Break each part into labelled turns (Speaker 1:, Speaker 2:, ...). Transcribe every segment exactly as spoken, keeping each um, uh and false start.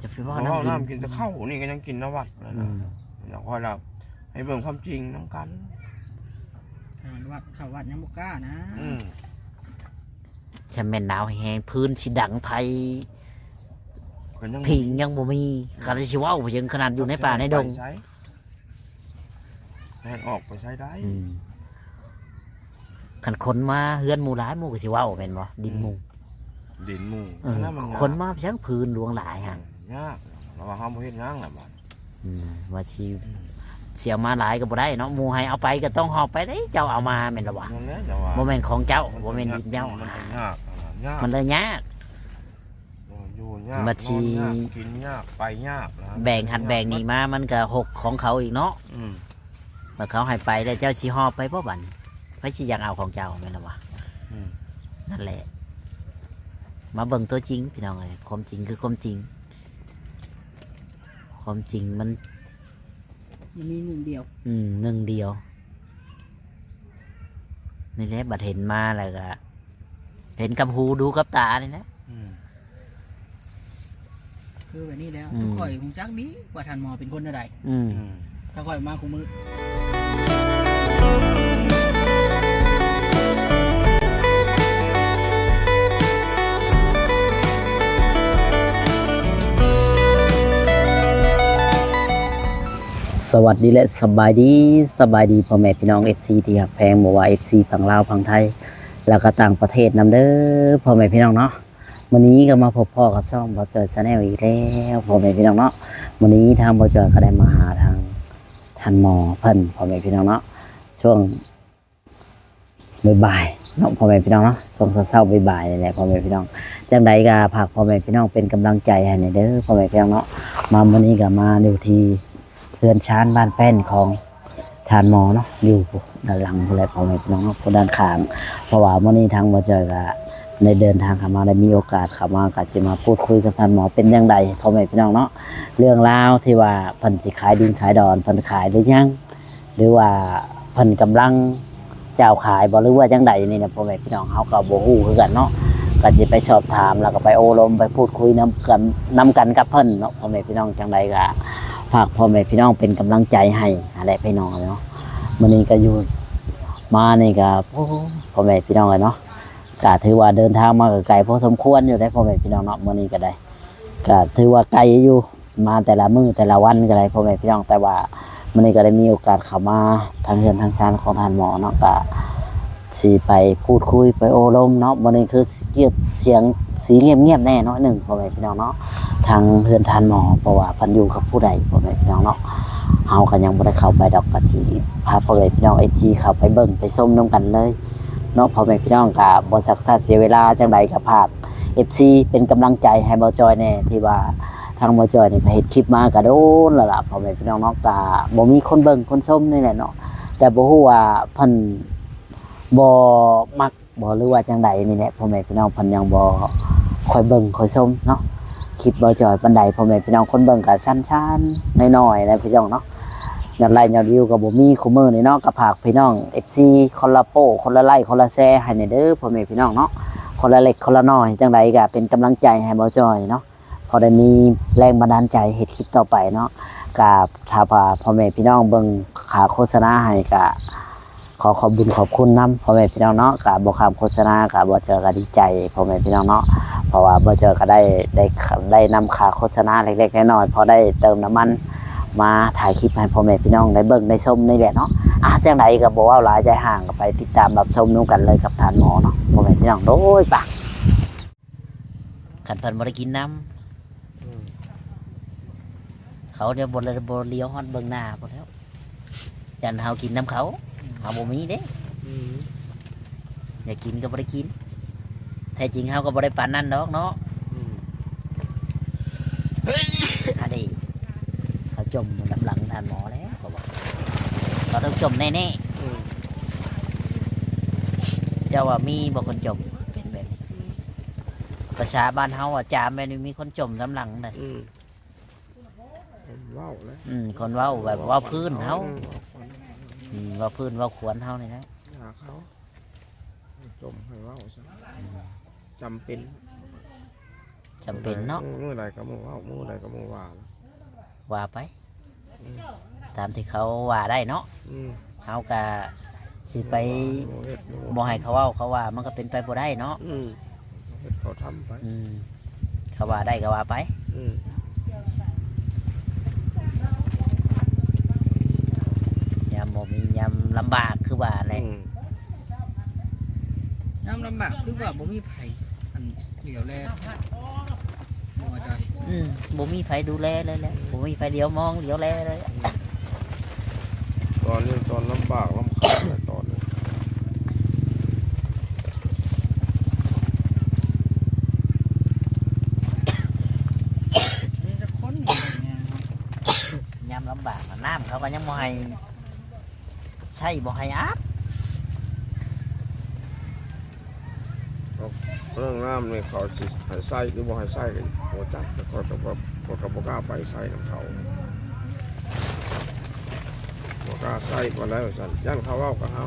Speaker 1: จะไป
Speaker 2: เพ
Speaker 1: ว่า
Speaker 2: ราะว่า
Speaker 1: น้ำกิน
Speaker 2: น้ำกินแต่ข้าวนี่ก็ยังกินนวัดเลยนะอยากคอยเราให้เบิ่งความจริงน้ำกัน
Speaker 3: อ่าวัดเข้าวัดยังบ่กล้านะ
Speaker 2: อืม
Speaker 1: แค่แม่นหนาวแห้งพื้นสิดังไผ
Speaker 2: ก็ยัง
Speaker 1: พิงยังบ่มีคันสิเว้ายังขนาดอยู่ในป่าในดง
Speaker 2: ใช้ให้ออกไปใช้ได้
Speaker 1: อืมคันคนมาเฮือนหมู่หลายหมู่ก็สิเว้าแม่นบ่ดินหมู่
Speaker 2: ดินหมู่
Speaker 1: เออ
Speaker 2: นั่นมันยาก
Speaker 1: คนมาเพียงพื้นหลวงหลายหั่น
Speaker 2: ยากเราว่าเฮาบ่เฮ็ดงานล่ะบัด
Speaker 1: อืมว่าสิเสียมาหลายก็บ่ได้เนาะหมู่ให้เอาไปก็ต้องหอบไปเด้เจ้าเอามาแม่นล่ะวะ
Speaker 2: นั่นแหละแต่ว่า
Speaker 1: บ่แม่นของเจ้าบ่แม่นดินเจ้า
Speaker 2: มันก็ยากยาก
Speaker 1: มันเลยยาก
Speaker 2: อยู่ยาก
Speaker 1: บัดชี
Speaker 2: นอนยากกินยากไปยากนะ
Speaker 1: แบ่งหัดแบ่งนี่มามันก็หกของเขาอีกเนาะ
Speaker 2: อืม
Speaker 1: เมื่อเขาให้ไปแล้วเจ้าสิหอบไปบ่บัดไผสิอยากเอาของเจ้าแม่นล่ะวะ
Speaker 2: อืม
Speaker 1: นั่นแหละ มาเบิ่งตัวจริงพี่น้องเอ้ยความจริงคือความจริง ความจริงมัน
Speaker 3: มันมีหนึ่งเดียว
Speaker 1: อืมหนึ่งเดียวนี่แหละบัดเห็นมาแล้วก็เห็นกับหูดูกับตานี่นะ
Speaker 2: อืม
Speaker 3: คือแบบนี้แล้ว
Speaker 1: อืม
Speaker 3: ทุกข่อยคงจักดีว่าท่านหมอเป็นคนอะไร
Speaker 1: อืม
Speaker 2: อืม
Speaker 3: ถ้าข่อยมาคุมือ
Speaker 1: สวัสดีและสบายดีสบายดีพ่อแม่พี่น้อง เอฟ ซี ที่หักแพงบ่ว่า เอฟ ซี ฝั่งลาวฝั่งไทย แล้วก็ต่างประเทศนำเด้อพ่อแม่พี่น้องเนาะวันนี้ก็มาพบพ่อกับช่องบ่จอยชาแนลอีกแล้วพ่อแม่พี่น้องเนาะวันนี้ทางบ่จอยก็ได้มาหาทางท่านหมอเพิ่นพ่อแม่พี่น้องเนาะช่วงบ่ายๆเนาะพ่อแม่พี่น้องเนาะช่วงเช้าๆบ่ายๆนี่แหละพ่อแม่พี่น้องจังใดก็ฝากพ่อแม่พี่น้องเป็นกำลังใจให้หน่อยเด้อพ่อแม่พี่น้องเนาะมาวันนี้ก็มาดูที่เรือนชานบ้านแป้นของทานหมอเนาะอยู่ด้านหลังอะไรพ่อแม่พี่น้องเนาะด้านข้างเพราะว่าวันนี้ทางบ่จอยก็ในเดินทางเข้ามาได้มีโอกาสเข้ามาก็สิมาพูดคุยกับท่านหมอเป็นจังไดพ่อแม่พี่น้องเนาะเรื่องราวที่ว่าเพิ่นสิขายดินขายดอนเพิ่นขายหรือยังหรือว่าเพิ่นกำลังเจ้าขายบ่หรือว่าจังไดนี่นะพ่อแม่พี่น้องเฮาก็บ่ฮู้คือกันเนาะก็สิไปสอบถามแล้วก็ไปโอ้ลมไปพูดคุยนํกันนํกันกับเพิ่นเนาะพ่อแม่พี่น้องจังไดก็ฝากพ่อแม่พี่น้องเป็นกำลังใจให้อะไรพี่น้องเนาะมื้อนี้ก็อยู่มานี่ก็โอ้พ่อแม่พี่น้องเนาะก็ถือว่าเดินทางมาก็ไกลพอสมควรอยู่ได้พ่อแม่พี่น้องเนาะมื้อนี้ก็ได้ก็ถือว่าไกลอยู่มาแต่ละมื้อแต่ละวันก็ได้พ่อแม่พี่น้องแต่ว่ามื้อนี้ก็ได้มีโอกาสเข้ามาทางเรือนทางชานของท่านหมอเนาะก็สิไปพูดคุยไปโอ้ลมเนาะมื้อนี้คือเกียบเสียงสีเงียบๆแน่น้อยหนึงพ่อแม่พี่น้องเนาะทางเรือนทานหมอเพราะว่าเพิ่นอยู่กับผู้ใดพ่อแม่พี่น้องเนาะเฮาก็ยังบ่ได้เข้าไปดอกก็สิพาพ่อแม่พี่น้อง เอ จี เข้าไปเบิ่งไปชมนํกันเลยเนาะพ่อแม่พี่น้องก็บ่ซักษาเสียเวลาจังไดก็ภาค เอฟ ซี เป็นกำลังใจให้บ่จอยแน่ที่ว่าทางบ่จอยนี่ก็เฮ็ดคลิปมาก็โดนแล้วล่ะพ่อแม่พี่น้องเนาะก็บ่มีคนเบิ่งคนชมนี่แหละเนาะแต่บ่ฮู้ว่าเพิ่นบ่มักบ่หรือว่าจังไดนี่แหละพ่อแม่พี่น้องเพิ่นยังบ่ค่อยเบิ่งค่อยชมเนาะคลิปบ่จอยปานใดพ่อแม่พี่น้องคนเบิ่งก็สั้นๆน้อยๆนะพี่น้องเนาะยอดไลค์ยอดวิวก็บ่มีคุมื้อนี่เนาะก็ฝากพี่น้อง เอฟ ซี คนละโป้คนละไลค์คนละแชร์ให้หน่อยเด้อพ่อแม่พี่น้องเนาะคนละเล็กคนละน้อยจังไดก็เป็นกำลังใจให้บ่จอยเนาะพอได้มีแรงบันดาลใจเฮ็ดคลิปต่อไปเนาะกับถ้าพ่อแม่พี่น้องเบิ่งขาโฆษณาให้ก็ขอขอบคุญขอบคุณนำพ่อแม่พี่น้องเนาะก็บ่ข้ามโฆษณาก็บ่เจอก็ดีใจพ่อแม่พี่น้องเนาะเพราะว่าบ่เจอก็ได้ได้ได้นำค่าโฆษณาเล็กๆน้อยๆพอได้เติมน้ำมันมาถ่ายคลิปให้พ่อแม่พี่น้องได้เบิ่งได้ชมนี่แหละเนาะอ่ะจังไดก็บ่ว่าหลายใจห่างก็ไปติดตามรับชมนํกันเลยกับท่านหมอเนาะพ่อแม่พี่น้องโดยปะขันเพิ่นบ่ได้กินน้ำเขาเดี๋ยวบ่เลยบ่เลี้ยวฮอดเบิ่งหน้าพุ่นแล้วยันเฮากินน้ำเขาเฮาบ่มีเด้อยากกินก็บ่ได้กินแท้จริงเฮาก็บ่ได้ปานนั้นดอกเนาะอันนี้เขาจมน้ำหลังท่านหมอแล้วเขาบอกเขาต้องจมแน่ๆเจ้าว่ามีบ่คนจมเป็นแบบนี้ประชาบ้านเฮาอ่ะจามแม่นมีคนจมน้ำหลังเลย
Speaker 2: อืมว้าวแล้ว
Speaker 1: อืมคนเว้าแบบเว้าพื้นเฮาอืมเว้าพื้นเว้าขวนเฮานี่นะ
Speaker 2: หาเขาจมให้ว้าวซะจำเป็น
Speaker 1: จำเป็นเนาะ
Speaker 2: มื้อใดก็มื้อว่ามื้อใดก็มื้อว่านะ
Speaker 1: ว่าไป
Speaker 2: อืม
Speaker 1: ตามที่เขาว่าได้เนาะ
Speaker 2: อืม
Speaker 1: เฮาก็สิไป
Speaker 2: บ่เฮ็ด
Speaker 1: บ่ให้เขาเว้าเขาว่ามันก็เป็นไปบ่ได้เนาะ
Speaker 2: อืมเฮ็ดเขาทำไป
Speaker 1: อืมเขาว่าได้ก็ว่าไป
Speaker 2: อืม
Speaker 1: ยามบ่มียามลำบากคือว่าแหละ
Speaker 2: อืม
Speaker 3: ยามลำบากคือว่าบ่มีไผอันเหลียวแลบ่ว่าจอย
Speaker 1: อืมบ่มีไผดูแลเลยแหละบ่มีไผเดียวมองเดียวแลเลย
Speaker 2: ตอนนี้ตอนลำบากลำคาญแต่ตอนนี้
Speaker 3: นี่จะคนอย่างเงี้ยครับ
Speaker 1: ยามลำบากอะน้ำเขาก็ยังบ่ให้ใช่บ่ให้อาบ
Speaker 2: เรื่องน้ำนี่เขาสิให้ใส่หรือบ่ให้ใส่กันบ่จักแต่ก็ก็บ่ก็ก็บ่กล้าไปใส่นํเขาบ่กล้าใส่บ่แล้วซั่นย่านเขาเว้ากับเฮา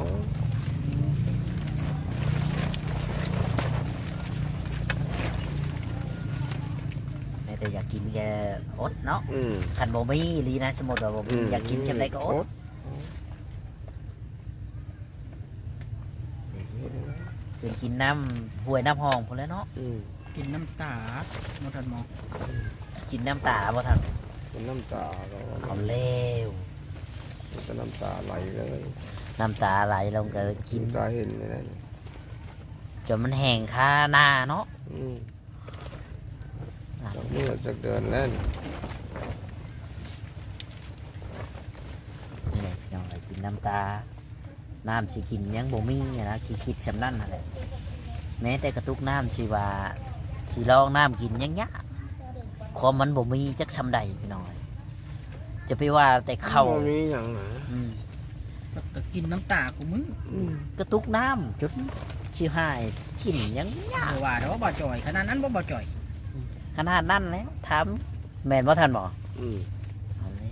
Speaker 1: แม้แต่อยากกินแกอดเนาะ
Speaker 2: อืม
Speaker 1: คันบ่มีอีหลีนะสมมุติว่าบ่มีอยากกินจังไดก็อดจนกินน้ำห้วยน้ำห้องพุ่นแหล้วเนาะ
Speaker 2: อืม
Speaker 3: กินน้ำตาบ่ทันหมอ
Speaker 1: กินน้ำตาบ่ทัน
Speaker 2: เป็นน้ำตาก็
Speaker 1: เอาแล้ว
Speaker 2: เป็นน้ำตาไหลเลย
Speaker 1: น้ำตาไหลลงก็กิน
Speaker 2: น้ำตาเห็นเลยนะ
Speaker 1: จนมันแห้งคาหน้าเนาะ
Speaker 2: อืม
Speaker 1: อ่ะ
Speaker 2: เมื่อจะเดินแล้วนี่
Speaker 1: นี่แหละพี่น้องเอ้ยกินน้ำตา น้ำสิกินยังบ่มีอะนะคิดคิดสำนั่นนั่นแหละแม้แต่กระตุกน้ำสิว่าสิลองน้ำกินยังยะความมันบ่มีจักชำใดพี่น้องเอ้ยจะไปว่าแต่เข้า
Speaker 2: บ่มีหยังนะ
Speaker 1: อืม
Speaker 3: ก็ก็กินน้ำตากูมึง
Speaker 2: อืม
Speaker 1: กระตุกน้ำจนสิหายกินยังยะ
Speaker 3: บ่ว่าแต่ว่าบ่จ่อยขนาดนั้นบ่บ่จ่อย
Speaker 1: ขนาดนั้นแล้วถามแม่นบ่ทันบ่
Speaker 2: อืม
Speaker 1: เอาเลย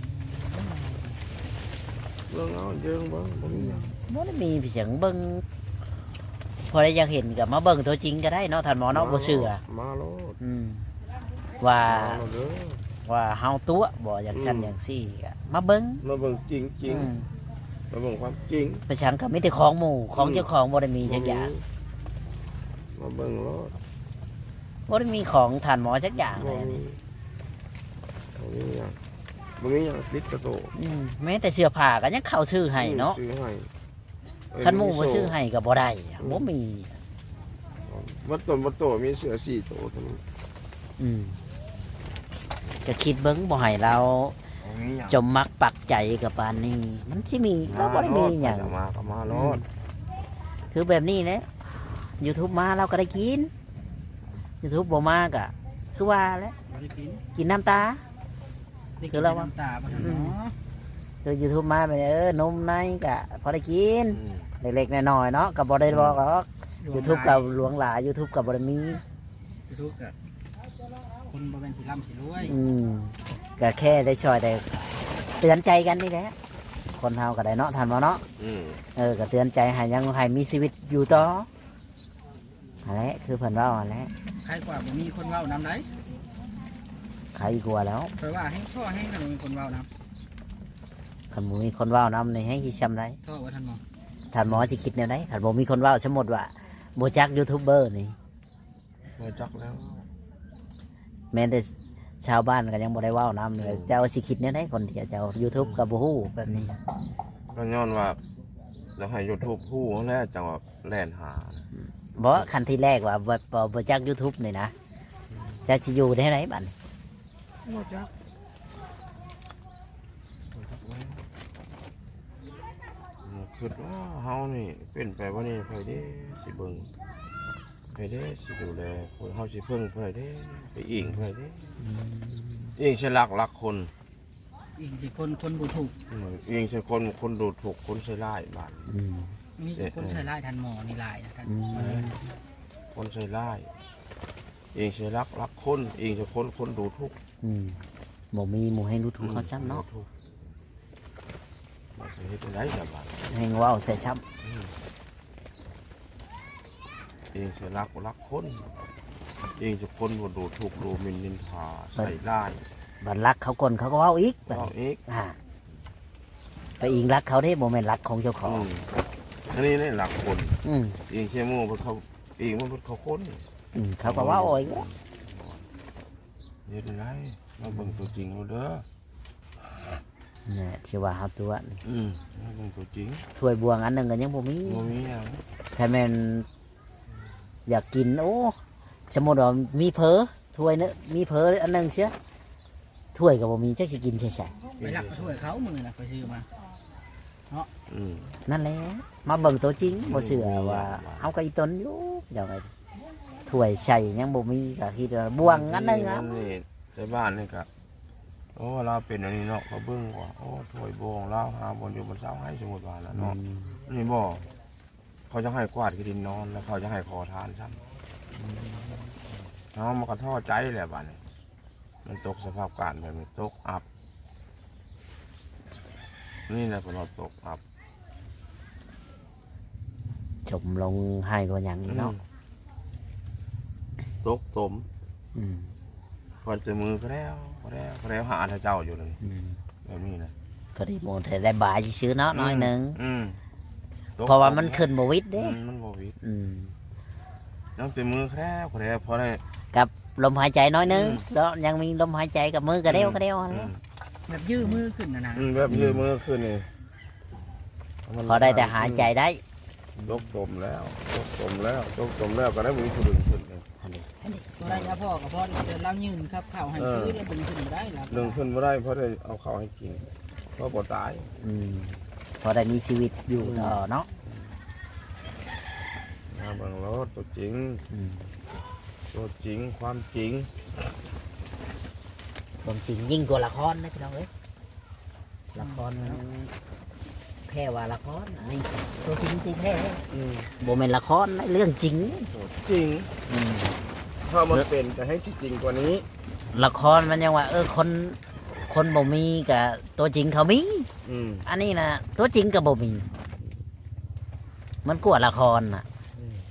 Speaker 2: เรื่องเอาเรื่องเบิ่งบ่มีหยัง
Speaker 1: บ่ได้มีเสียงเบิ่งพอได้อยากเห็นก็มาเบิ่งตัวจริงก็ได้เนาะท่านหมอเนาะบ่เชื่อ
Speaker 2: มาโลด
Speaker 1: อืมว่า
Speaker 2: มาโลดเด้อ
Speaker 1: ว่าเฮาตัวบ่อย่างชั้น
Speaker 2: อืม
Speaker 1: อย่างซี่ก็มาเบิ่ง
Speaker 2: มาเบิ่งจริงจริง
Speaker 1: อืม
Speaker 2: มาเบิ่งความจริง
Speaker 1: ไปชังก็มีแต่ของหมู่ของ
Speaker 2: อืม
Speaker 1: เจ้าของบ่ได้มีจักอย่าง
Speaker 2: มาเบิ่งโลด
Speaker 1: บ่ได้มีของท่านหมอจักอย่างเล
Speaker 2: บ่
Speaker 1: ยอัน
Speaker 2: มี
Speaker 1: นี้
Speaker 2: บ่มีหยังบ่มีหยังติดกระโตก
Speaker 1: อืมแม้แต่เสื้อผ้าก็ยังเข้าชื่อให้เนาะ
Speaker 2: ซื้อให้เอ้ย
Speaker 1: คันหมู่บ่
Speaker 2: โซ่
Speaker 1: ชื่อให้ก็บ่ได้บ่มี
Speaker 2: วัดต้นวัดโตมีเสือสี่โตเท่านั้น
Speaker 1: อืมก็คิดเบิ่งบ่ให้เรา จมมักปักใจกับปานนี้มันที่มีเราบ่ได้มีหยัง
Speaker 2: มาก็มาโลด
Speaker 1: คือแบบนี้แหละ YouTube มาเราก็ได้กิน YouTube บ่มาก็คือว่าแหล้ว
Speaker 3: บ่ได้กิน
Speaker 1: กินน้ำตา
Speaker 3: ได้
Speaker 1: คื
Speaker 3: กิ
Speaker 1: อน เราว่า
Speaker 3: น้ำตาบ่ทันหมอ
Speaker 1: คือ YouTube มาไปเออนมในก็พอได้กิน
Speaker 2: อืม
Speaker 1: เล็กๆน้อยๆเนาะก็บ่ได้บอกหรอก
Speaker 3: หลวง
Speaker 1: YouTube กับหลวงหลาย YouTube กับบ่ได้มี
Speaker 3: YouTube ก็คนบ่แม่นสิร่ำสิรวย
Speaker 1: อืมก็แค่ได้ช่วยได้เตือนใจกันนี่แหละคนเฮาก็ได้เนาะท่านบ่เนาะ
Speaker 2: อืม
Speaker 1: เออก็เตือนใจให้ยังให้มีชีวิตอยู่ต่ออันแหละคือเพิ่นเว้าอันแหละ
Speaker 3: ใครกว่าบ่มีคนเว้านำได้
Speaker 1: ใครกลัวแล้ว
Speaker 3: เพราะว่าให้พ่อให้ขนมมีคนเว้าน
Speaker 1: คันบ่มีคนเว้านำในให้สิซำได
Speaker 3: ำก็ว่าท่านหมอ
Speaker 1: ท่านหมอสิคิดแนวใดคันบ่มีคนเว้าสมมุติว่าบ่จักยูทูบเบอร์นี่
Speaker 2: มาจักแล้ว
Speaker 1: แม้แต่ชาวบ้านก็ยังบ่ได้เว้านำเลยเจ้าสิคิดแนวใดคนที่เจ้า YouTube ก็บ่ฮู้แบบนี้
Speaker 2: ก็ย้อนว่าจะให้ยูทูบผู้แล้วจังว่าแล่นหา
Speaker 1: บ่คันที่แรกว่าบ่บ่บ่จัก YouTube นี่นะจะสิอยู่ได้ไหนบัดนี้
Speaker 2: มาจักมาจักแล้วคิดว่าเฮานี่เป็นไปว่านี่ไผเด้สิเบิ่งไผเด้สิดูแลคนเฮาสิเพิ่งไผเด้ไปอิงไผเด้อิงสิรักรักคน
Speaker 3: อีกสิคนคนบ่ถูก
Speaker 2: อืมอิงสิคนคนดูถูกคนใส่ร้ายบาด
Speaker 1: อืม
Speaker 3: มีแต่คนใช้ไล่ท่านหมอนี่หลายนะท่าน
Speaker 1: อืม
Speaker 2: คนใส่ร้ายอิงสิรักรักคนอิงสิคนคนดูทุกข์
Speaker 1: อืมบ่มีหมู่ให้รู้ทุกเขาซ้ำเนาะ
Speaker 2: ดูทุกข์มาสิเฮ็ดได้ล่ะบาด
Speaker 1: ให้เว้าใส่ซ้ำ
Speaker 2: เองเสียรักรักคนเองจะคนบ่ดูถูกดูหมิ่นนินทาใส่ร้าย
Speaker 1: บัดรักเขาคนเขาก็เว้าอีกบัด
Speaker 2: เอาอีก
Speaker 1: อ่าไปอิงรักเขาได้บ่แม่นรักของเจ้าของ
Speaker 2: อืมอันนี้นี่หลักคน
Speaker 1: อืม
Speaker 2: เองเชื่อมู่เพิ่นเขาเองมันเพิ่นเขาคน
Speaker 1: อืมเขาก็เว้าโอ้ย
Speaker 2: เฮ็ดไรมาเบิ่งตัวจริงเอาเด้อ
Speaker 1: เนี่ยที่ว่าเฮาตัว
Speaker 2: อืมมาเบิ่งตัวจริง
Speaker 1: ถ้วยบวงอันหนึงก็ยังบ่มี
Speaker 2: บ่มีหยัง
Speaker 1: ถ้าแม่นอยากกินโอ้สมมุติว่ามีเผลอถ้วยนึงมีเผลออันหนึงเสียถ้วยก็บ่มีจักสิกินใช่
Speaker 3: ไปหลักช่วยเขามือน่ะไปซื้อมา
Speaker 2: อืม
Speaker 1: ๆนั่นแหละมาเบิ่งตัวจริงบ่เชื่อว่าเฮาก็อีตนอยู่เดี๋ยวไงถ้วยใส่ยังบ่มีก็คิดว่าบวงอันหนึงอ่ะ
Speaker 2: นี่ในบ้านนี่ก็โอ้เราเป็นอันนี้เนาะเขาเบิ่งว่าโอ้ถ้วยบวงเราหาบนอยู่บนเสาให้สมมุติว่าแล้วเนาะนี่บ่เขาจะให้กวาดที่ดินนอนแล้วเขาจะให้ขอทานซ้ำเนาะมันก็ท้อใจแหละบัดนี้มันตกสภาพการแบบนี้ตกอับนี่แหละพอเราตกอับ
Speaker 1: จมลงให้ก็หยังอีกเนาะ
Speaker 2: ตกตม
Speaker 1: อืม
Speaker 2: พอเจอมือก็แล้วก็แล้วก็แล้วหาท่าเจ้าอยู่เลย
Speaker 1: อืม
Speaker 2: แบบนี้นะ
Speaker 1: ก็ได้โมแต่ได้บายซื้อๆเนาะน้อยหนึง
Speaker 2: อืมตก
Speaker 1: เพราะว่ามันขึ้นบ่วิด
Speaker 2: อื
Speaker 1: เด้
Speaker 2: มมันบ่วิด
Speaker 1: อืม
Speaker 2: ต้องเจอมือก็แล้วก็แล้วพอได้
Speaker 1: กับลมหายใจน้อยหนึง
Speaker 2: อืม
Speaker 1: แล้วยังมีลมหายใจกับมือก็เดียวก็เดียว
Speaker 2: อืม
Speaker 3: แบบยื้อมือขึ้นนะนะ
Speaker 2: อืมแบบยืดมือขึ้นนี่
Speaker 1: พอได้แต่หายใจได้
Speaker 2: ตกตมแล้วตกตมแล้วตกตมแล้วก็ได้มือขึ้นขึ้นเลย
Speaker 1: อันนี้อันนี้
Speaker 3: ตัวได้ยาพ่อกับพ่อเดินเล่ายืนครับข่าวให้ซื้อแล้วดึงขึ้นได้แล้ว
Speaker 2: ดึงขึ้นไม่ได้เพราะได้เอาข้าวให้กินเพราะปวดตาย
Speaker 1: อืมพอได้มีชีวิตอยู่ต่อเนาะ
Speaker 2: มาเบิ่งรถตัวจริง
Speaker 1: อืม
Speaker 2: ตัวจริงความจริง
Speaker 1: ความจริงยิ่งกว่าละครนะพี่น้องเอ้ยละครมันแค่ว่าละครอันนี้ตัวจริงจริงแท้
Speaker 2: อืม
Speaker 1: โบเป็นละครนะเรื่องจริง
Speaker 2: ตัวจริง
Speaker 1: อืม
Speaker 2: ถ้ามันเป็นจะให้จริงกว่านี้
Speaker 1: ละครมันยังว่า เออคนคนบ่มีกับตัวจริงเขามี
Speaker 2: อืม
Speaker 1: อันนี้นะตัวจริงกับบ่มี มันกว่าละครน่ะ
Speaker 2: อืม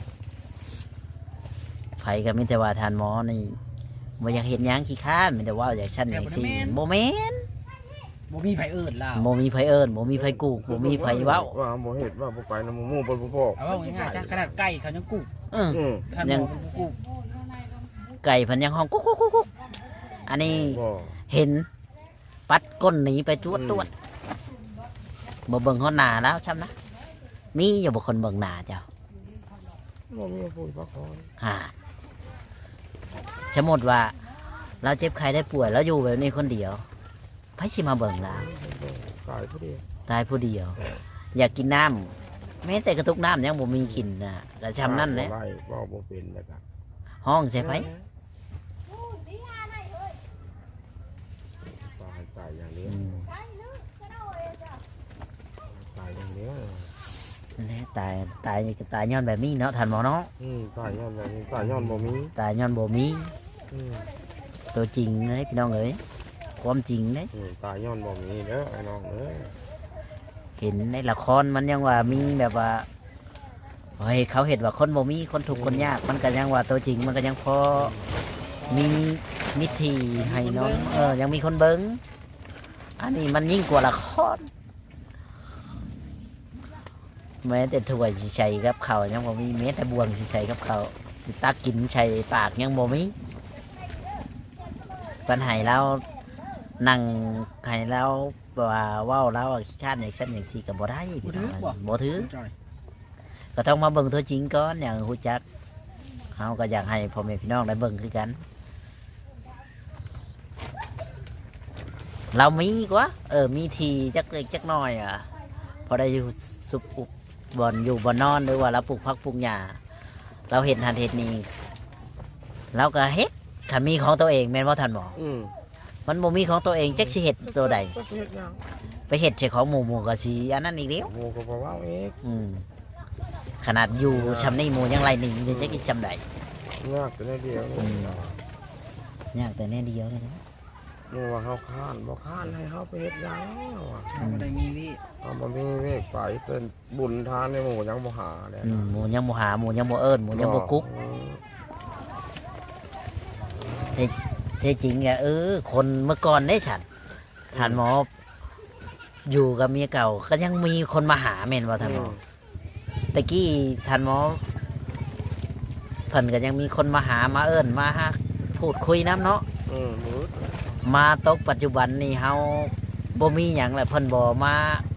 Speaker 1: ไผก็มีแต่ว่าทานหมอนี่บ่อยากเห็นหยังขี้ข้านมีแต่ว่าอยากชั้นอย่างซี่บ่แม่น
Speaker 3: บ่มีไผเอิ้นล่ะ
Speaker 1: บ่มีไผเอิ้นบ่มีไผกูกบ่มีไผเว้า
Speaker 2: ว่าบ่เฮ็ดว่าบ่ไปนำหมู่บ่บ่พ่อ
Speaker 3: เอาว่าง่ายๆจ้ะขนาดไก่เขายังกุก
Speaker 1: เออ
Speaker 2: อืม
Speaker 3: ขนาดหมูกุก
Speaker 1: ไก่เพันยังห้องกุ๊กกุ๊กกุ๊กกุ๊กอันนี้
Speaker 2: บ่
Speaker 1: เห็น ปัดก้นหนีไปตรวจตรวจบ่เบิ่งเขาหน้าแล้วช่ำนะมีอยู่บ่คนเบิ่งหน้าเจ้า
Speaker 2: บ่มีผู้พักผ่อน
Speaker 1: ฮ่าสมมติว่า เราเจ็บไข้ได้ป่วยแล้วอยู่แบบนี้คนเดียวไผสิมาเบิ่งเรา
Speaker 2: กายผู้เดียว
Speaker 1: ตายผู้เดียว อยากกินน้ำแม้แต่กระตุกน้ำยังบ่มีกินนะแต่ชำนั่นแหละ
Speaker 2: ไล่เว้าบ่เป็นแล้วก็
Speaker 1: ห้องใช่ไผ
Speaker 2: ตายตายอย่างเดียว
Speaker 1: อืม
Speaker 2: ตายอย่างเดียว
Speaker 1: นั่นแหละตายตายก็ตายย้อนแบบนี้เนาะท่านหมอเนาะ
Speaker 2: อืมตายย้อนแบบนี้ตายย้อนบ่มี
Speaker 1: ตายย้อนบ่มี
Speaker 2: อืม
Speaker 1: ตัวจริงเลยพี่น้องเอ้ยความจริงเลย
Speaker 2: อืมตายย้อนบ่มีเด้อไอ้น้องเอ้ย
Speaker 1: เห็นในละครมันยังว่ามีแบบว่าเฮ้ยเขาเห็นว่าคนบ่มีคนถูกข์คนยาก มันก็ยังว่าตัวจริงมันก็ยังพอมีมิธีให้น้องเออยังมีคนเบิงอันนี้มันยิ่งกว่าละครแม้แต่ถ้วยสิใส่กับเขาวยังบ่มีแม้แต่บวงสิใส่กับเขาวสิตักกินใส่ปากยังบ่มีปัญหาเรานั่งให้เราว่าเว้าเราอะขี้ข้านอย่างเช่นอย่างสี่กับบ่ได้พี่น้องบ่ถือ
Speaker 3: จอย
Speaker 1: ก็ต้องมาเบิ่งตัวจริงก่อนอย่างฮู้จักเฮาก็อยากให้พ่อแม่พี่น้องได้เบิ่งคือกัน เรามีกว่าเออมีทีจักเล็กจักน้อยอ่ะพอได้อยู่สุขอุบบ่อนอยู่บ่อนนอนหรือว่าเราปลูกพักปลูกหญ้าเราเห็นหันเห็นนี่เราก็เฮ็ดถ้ามีของตัวเองแม่นบ่ทันบ่
Speaker 2: อืม
Speaker 1: มันบ่มีของตัวเองจักสิเฮ็ดตัวใด
Speaker 2: ก็เฮ็ดหยัง
Speaker 1: ไปเฮ็ดใส่ของหมู่หมู่ก็สิอันนั้นอีกแล้ว
Speaker 2: หมู่ก็บ่เว้าเอง
Speaker 1: อืมขนาดอยู่ชำนี่หมู่ยังไรหนึ่งยังจะกินชำใด
Speaker 2: ยากแต่ในเดียวนี่
Speaker 1: ยากแต่แน่เดียวเลยนะ
Speaker 2: นี่ว่าเฮาค้านบ่ค้านให้เฮาไปเฮ็ดหยังว่ะ
Speaker 3: เราบ่ได้มีวิ
Speaker 2: เฮาบ่มีเวกไปเป็นบุญทานในหมู่ยังบ่หาเลย
Speaker 1: อืมหมู่ยังบ่หาหมู่ยังบ่เอิ้นหมู่ยังบ่กุ๊ก
Speaker 2: อืม
Speaker 1: แท้จริงอะเออ คนเมื่อก่อนได้ฉันท่านหมอ อยู่กับเมียเก่า ก็ยังมีคนมาหาแม่นว่าท่านหมอตะกี้ท่านหมอเพิ่นก็ยังมีคนมาหามาเอิ้นมาฮะพูดคุยน้ำเนาะ
Speaker 2: อืมมืด
Speaker 1: มาตกปัจจุบันนี่เฮาบ่มีหยังแหละเพิ่นบ่มา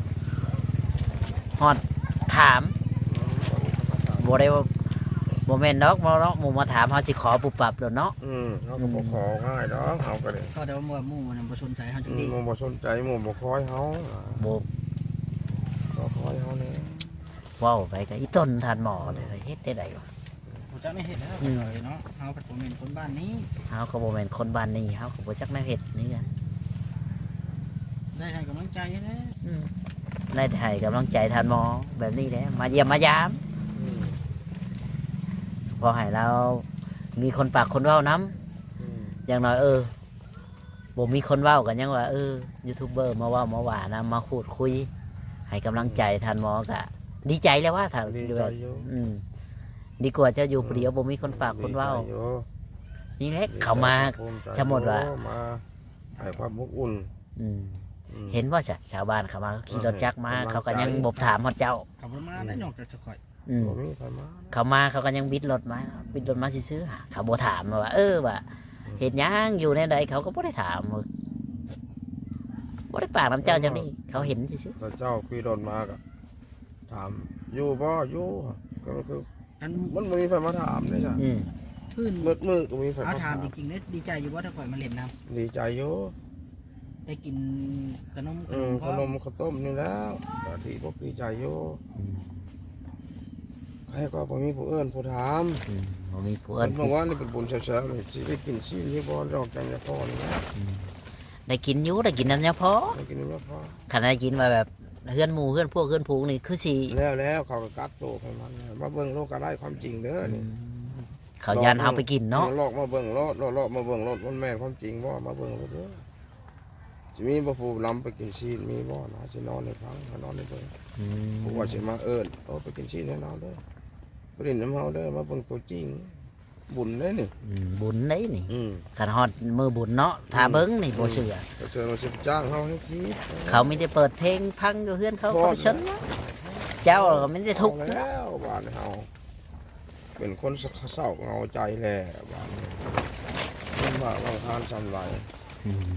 Speaker 1: ฮอดถามบ่ได้ว่าบ่แม่นดอกบ่เนาะหมู่มาถามเฮาสิขอปุบปับโดดเนาะ
Speaker 2: อืมเขาก็บ่ของ่ายดอกเขาก็ได้
Speaker 3: ก็แต่ว่าหมู่หมู่มันบ่สนใจเฮาจั
Speaker 2: อื
Speaker 3: ง
Speaker 2: ม
Speaker 3: ดี
Speaker 2: หมู่บ่สนใจหมู่บ่คอยเฮา
Speaker 1: บ่
Speaker 2: ก็คอยเฮานี่
Speaker 1: เว้าไปก็อีต้นท่านหมอเด้อเฮ็ดได้ไดวะ
Speaker 3: บ่จักได้เฮ็ดแล้ว
Speaker 1: อืม
Speaker 3: เนาะเฮาเป็นบ่แม่นคนบ้านนี้
Speaker 1: เฮาก็บ่แม่นคนบ้านนี้เฮาก็บ่จักแนวเฮ็ดนี่กัน
Speaker 3: ได้ให้กำลังใจแหละ
Speaker 1: อืมได้ให้กำลังใจท่านหมอแบบนี้แหละมาเยี่ยมมายาม
Speaker 2: อืม
Speaker 1: พอให้เรามีคนปากคนเว้านํ
Speaker 2: อืม
Speaker 1: อย่างน้อยเออบ่มีคนเว้ากันยังว่าเออยูทูบเบอร์มาเว้ามาว่านะมาพูดคุย ให้กำลังใจท่านหมอก็ดีใจแล้วว่าถ้า
Speaker 2: ดี
Speaker 1: ดู
Speaker 2: ใจ
Speaker 1: แบบ
Speaker 2: อยู่
Speaker 1: อืมดีกว่าจะอยู่ผู้เดียวบ่มีคนปากคนเว้า
Speaker 2: ดีใจอยู่
Speaker 1: นี่แหละเขามา
Speaker 2: ภูใจ
Speaker 1: จะหมดว่ะ
Speaker 2: มาให้ความอบอุ่น
Speaker 1: อืม
Speaker 2: อืม
Speaker 1: เห็นว่าจ้ะชาวบ้านเขามาขี่รถจักรมา
Speaker 2: เออ
Speaker 1: เขาก็ยังบ่ถามฮอดเจ้า
Speaker 3: ขับรถมาได้นอกจากจะข่อย
Speaker 1: อืม
Speaker 2: บ่มีใครมา
Speaker 1: เขามาเขาก็ยังบิดรถมาบิดรถมาซื่อๆเขาบ่ถามว่า เออว่าเฮ็ดหยังอยู่ในใดเขาก็บ่ได้ถามว่าบ่ได้ปากน้ำเจ้าจังนี้เขาเห็นซื่อ
Speaker 2: ถ้าเจ้าขี่รถมาก็ถามอยู่บ่อยู่ก็คือ
Speaker 3: อัน
Speaker 2: มันบ่มีใครมาถามเลยจ้ะ
Speaker 1: ๆอืม
Speaker 3: พื้น
Speaker 2: มืดมืดก็มีใคร
Speaker 3: เอา
Speaker 2: มา
Speaker 3: ถา
Speaker 2: ถาม ม
Speaker 3: จริงๆเนี่ยดีใจอยู่ว่าถ้าข่อยมาเล่นน้
Speaker 2: ดีใจอยู่
Speaker 3: ำได้กินขนมข
Speaker 2: อื
Speaker 3: น
Speaker 2: ม
Speaker 3: ม
Speaker 2: ข
Speaker 3: พร้อม
Speaker 2: นมข้าวต้มนี่แล้วก็ที่พวกดีใจอยู่
Speaker 1: อืม
Speaker 2: ใครก็บ่มีผู้เอื้อนผู้ถาม
Speaker 1: อืมบ่มีผู้
Speaker 2: เอิ้
Speaker 1: เอิ้
Speaker 2: น
Speaker 1: น
Speaker 2: บอกว่านี่เป็นบุญเช้าๆเลยสิได้กินซีนนี่บ่ดอกจันทร์พอนี่นะ
Speaker 1: ได้กินอยู่ได้กินน้ำยาพอ
Speaker 2: ได้กินนี่พอ
Speaker 1: ขนาดกินมาแบบเฮือนหมู่เฮือนพวกเฮือนผูงนี่คือสิ
Speaker 2: แล้วแล้วเขาก็กัดโตกให้มันมาเบิ่งโลกก็ได้ความจริงเด้อนี่
Speaker 1: เขายานเฮาไปกินเนาะ
Speaker 2: ลอกมาเบิ่งรถลอกมาเบิ่งรถมันแม่นความจริงบ่มาเบิ่งรถเด้อสิมีบ่ผู้นำไปกินซีนมีบ่นะสินอนในพังนอนในเบิ่ง
Speaker 1: อืม
Speaker 2: ผู้ว่าสิมาเอิ้นเอาไปกินซีนให้นอนเด้อไปเล่นน้ำเฮาเด้อมาเบิ่งตัวจริง บุญเด้อนี่
Speaker 1: อืมบุญได้นี่
Speaker 2: อืม
Speaker 1: ขันฮอดมือบุญเนาะถ้าเบิ้งนี่บ่เชื่อ
Speaker 2: ก็เชิญมาสิจ้างเฮาให้คิด
Speaker 1: เขาไม่ได้เปิดเพลงพังอยู่เฮือนเขา
Speaker 2: พอ
Speaker 1: เขาชนนะเจ้าก็ไม่ได้ทุกข์
Speaker 2: เอาแล้วบ้านเฮาเป็นคนเศร้าเหงาใจแหละบ้านนี้มันว่าบางทานสำไร
Speaker 1: อืม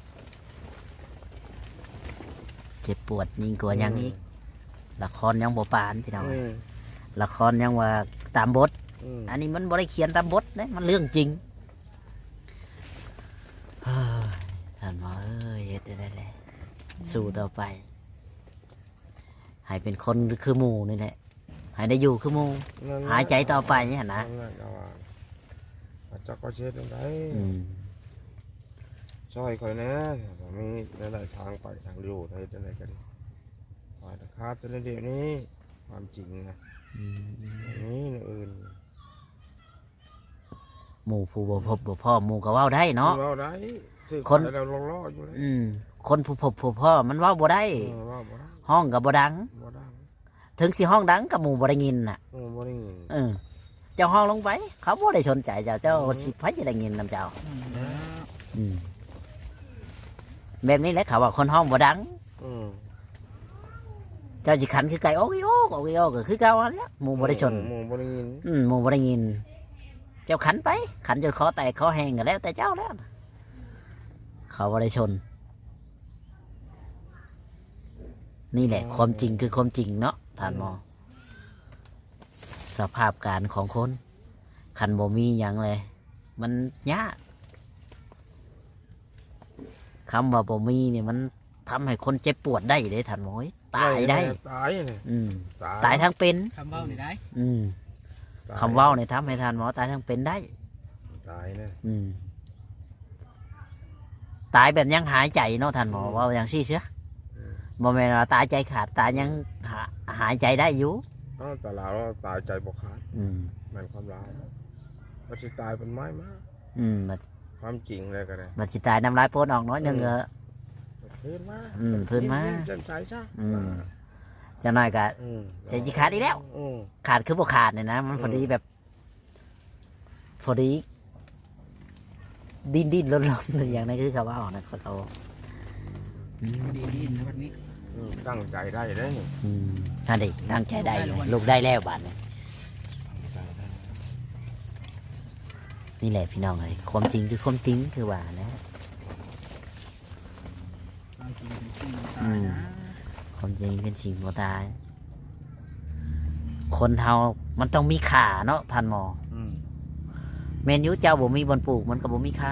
Speaker 1: เจ็บปวดยิ่งกว่าหยังอีกละครยังบ่ปานพี่น้อง
Speaker 2: อืม
Speaker 1: ละครยังว่าตามบท
Speaker 2: อืม
Speaker 1: อันนี้มันบ่ได้เขียนตามบทนะมันเรื่องจริงเฮ้ยท่านหมอเอ้ยเฮ็ดได้แหละสู้ต่อไป ให้เป็นคนคือหมู่นี่แหละให้ได้อยู่คือหมู่
Speaker 2: นั่นแหละ
Speaker 1: หายใจต่อไปเนี่ยนะ
Speaker 2: นั่นแหละเอาว่าอาจจะก็เช็ดได้
Speaker 1: อืม
Speaker 2: ช่วยคอยนะผมมีหลายๆทางไปทางอยู่ไทยจะไหนกันฝ่ายตะคาตัวเดียวนี้ความจริงนะ
Speaker 1: อืม
Speaker 2: อย่างนี้นะอื่น
Speaker 1: หมู่ผู้บ่พบบ่พ่อหมู่ก็เว้าได้เนาะ
Speaker 2: เราได้ถือ
Speaker 1: คน
Speaker 2: เราล่อๆอยู่เลย
Speaker 1: อืมคนผู้พบผู้พ่อมันเว้าบ่ได้
Speaker 2: เออว่าบ่ได้
Speaker 1: ห้องก็บ่ดัง
Speaker 2: บ่ได้
Speaker 1: ถึงสิห้องดังกับหมู่บ่ได้ยินน่ะ
Speaker 2: เออบ่ได้ยิน
Speaker 1: เออเจ้าห้องลงไป เขาบ่ได้สนใจเจ้าเจ้าสิไผจะได้ยินนำเจ้า
Speaker 3: อืมแล้ว
Speaker 1: อืมแบบนี้แหละเขาว่าคนห้องบ่ดัง
Speaker 2: อืม
Speaker 1: เจ้าสิขันคือไก่โอ้ยโอ้โอ้ยโอ้ก็คือเก่าอันเนี้ยหมู่บ่ได้ชน
Speaker 2: หมู่บ่ได้ยิน
Speaker 1: อืมหมู่บ่ได้ยิน เจ้าขันไป ขันจนคอแตกคอแห้งก็แล้วแต่เจ้าแล้วนะเขาบ่ได้ชน นี่แหละ ความจริงคือความจริงเนาะท่านหมอ สภาพการของคน คันบ่มีหยังเลย มันยากคำว่าบ่มีเนี่ยมันทำให้คนเจ็บปวดได้เลยท่านหมอเอ้ยตายได้
Speaker 2: ตายเนี่ย
Speaker 1: อืม
Speaker 2: ตาย
Speaker 1: ตายทั้งเป็น
Speaker 3: คำเว้านี่ได้
Speaker 1: อืม
Speaker 2: ตย
Speaker 1: คำเว้าเนี่ยทำให้ท่านหมอตายทั้งเป็นได้
Speaker 2: ตายเนี่ย
Speaker 1: อืม ตายแบบยังหายใจเนาะท่านหมอว่าอย่างซี่เสียบ่แม่นว่าตายใจขาดตายยังหาหายใจได้อยู่
Speaker 2: อ้าวแต่เราตายใจบ่ขาด
Speaker 1: อืม
Speaker 2: แม่นความลาวมันสิตายเป็นไม้มา
Speaker 1: อืมมัน
Speaker 2: ความจริงเลยก็ได้
Speaker 1: มันสิตายน้ำลายโปนออกน้อยหนึง
Speaker 2: อืม
Speaker 1: เออ
Speaker 2: พื้นมา
Speaker 1: อืมพื้นมา
Speaker 2: เส้นสายซะ
Speaker 1: อืม จะน้อยก็
Speaker 2: อืม
Speaker 1: ใส่สิขาดอีกแล้ว
Speaker 2: อืม
Speaker 1: ขาดคือบ่ขาดเนี่ยนะมันพอดีแบบ พอดีดิ้นดิ้นรนรนอย่างนั้นคือเขาว่าออกนะเขา
Speaker 3: ดีดีนะวันนี้
Speaker 2: อืมตั้งใจได้ได้นี่
Speaker 1: อืมนั่นดิตั้งใจได้เลยลูกได้แล้วบาดนี้
Speaker 2: ตั้งใจได้
Speaker 1: นี่แหละพี่น้องเลยความจริงคือความจริงคือว่านะ
Speaker 3: เราจริงเป็นจริงตายนะ
Speaker 1: ความจริงเป็นสิ่งบ่ตาย คนเฮามันต้องมีขาเนาะท่านหมอ
Speaker 2: อืม
Speaker 1: เมนอยูเจ้าบ่มีบอนปลูกมันก็บ่มีขา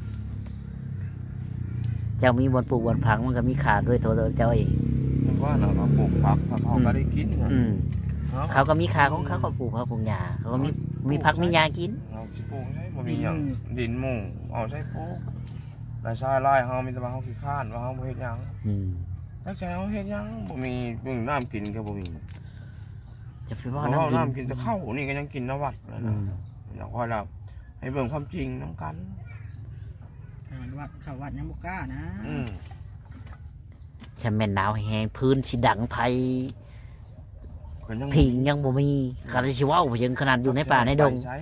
Speaker 1: เจ้ามีบอนปลูกบอนพังมันก็มีขาด้วยตัวเจ้าเอง
Speaker 2: มันว่าเราเราปลูกผักถ้าเขาก็ได้กินไง
Speaker 1: อืม
Speaker 2: เนาะ
Speaker 1: เขาก็มีขาของเขาก็ปลูกเขาปลูกหญ้าเขาก็มีมีผักมีหญ้ากิน
Speaker 2: เราสิปลูกใช่บ่มีหยังดินหมู่เอาใช้ปลูกรายชายรายเฮามีแต่ว่าเฮาขี้ข้านว่าเฮาบ่เฮ็ดหยัง
Speaker 1: อืม
Speaker 2: จักใจเฮาเฮ็ดหยังบ่มีเบิ่งน้ำกินก็บ่มี
Speaker 1: จะไป
Speaker 2: เพ
Speaker 1: ว่า
Speaker 2: ราะ
Speaker 1: น้ำ
Speaker 2: เฮา
Speaker 1: กิน
Speaker 2: น้ำกินแต่ข้าวนี่ก็ยังกินน้ำวัดเลย
Speaker 1: อื
Speaker 2: นะ
Speaker 1: ม
Speaker 2: อยากค่อยเราให้เบิ่งความจริงนํกัน
Speaker 3: ขนาดวัดเขาวัดยังบุกล้านะ
Speaker 2: อืม
Speaker 1: แค่แม่นหนาวแห้งพื้นสิดังไผ
Speaker 2: ก็ยัง
Speaker 1: พิงยังบ่มีคาราชิเว้ายังขนาดอยู่ในป่าในดง
Speaker 2: ใช้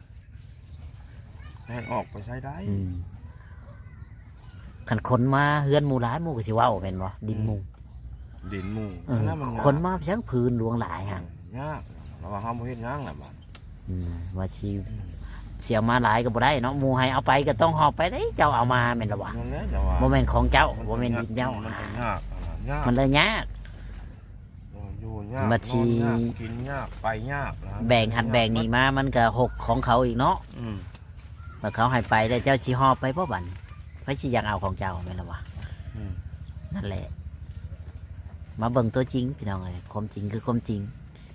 Speaker 2: ให้ออกไปใช้ได้
Speaker 1: อืมคันคนมาเฮือนหมู่หลายหมู่ก็สิเว้าแม่นบ่ดินหมู่
Speaker 2: ดินหมู่
Speaker 1: เออ
Speaker 2: นั่นมัน
Speaker 1: คนมาเพียงพื้นหลวงหลาย
Speaker 2: ยา
Speaker 1: หั่
Speaker 2: ก
Speaker 1: น
Speaker 2: ยากแล้วว่าเฮาบ่เฮ็ดหยังล่ะบัด
Speaker 1: อืมว่าสิเสียมาหลายก็บ่ได้เนาะหมู่ให้เอาไปก็ต้องหอบไปเด้เจ้าเอามาแม่นล่ะวะ
Speaker 2: นั่นแหละจะว่า
Speaker 1: บ่แม่นของเจ้าบ่แม่นดินเจ้า
Speaker 2: มันก็ยากยาก
Speaker 1: มันเลยยาก
Speaker 2: อยู่ยาก
Speaker 1: บัญชี
Speaker 2: นอนยากกินยากไปยากนะ
Speaker 1: แบ่งหันแบ่งนี่มามันก็หกของเขาอีกเนาะ
Speaker 2: อืม
Speaker 1: แล้วเขาให้ไปแล้วเจ้าสิหอบไปบ่บัดไผสิอยากเอาของเจ้าแม่นล่ะวะ
Speaker 2: อืม
Speaker 1: นั่นแหละ มาเบิ่งตัวจริงพี่น้องเอ้ยความจริงคือความจริง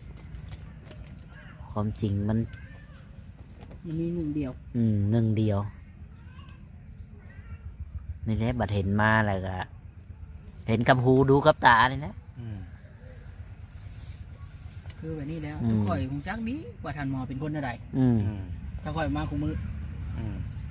Speaker 1: ความจริงมัน
Speaker 3: มันมีหนึ่งเดียว
Speaker 1: อืมหนึ่งเดียวนี่แหละบัดเห็นมาแล้วก็เห็นกับหูดูกับตาเลยนะ
Speaker 2: อืม
Speaker 3: คือแบบนี้แล้ว
Speaker 1: อืม
Speaker 3: ทุกข่อยคงจักดีว่าท่านหมอเป็นคนอะไร
Speaker 1: อืม
Speaker 2: อืม
Speaker 3: ถ้าข่อยมาคุมือ
Speaker 2: อืม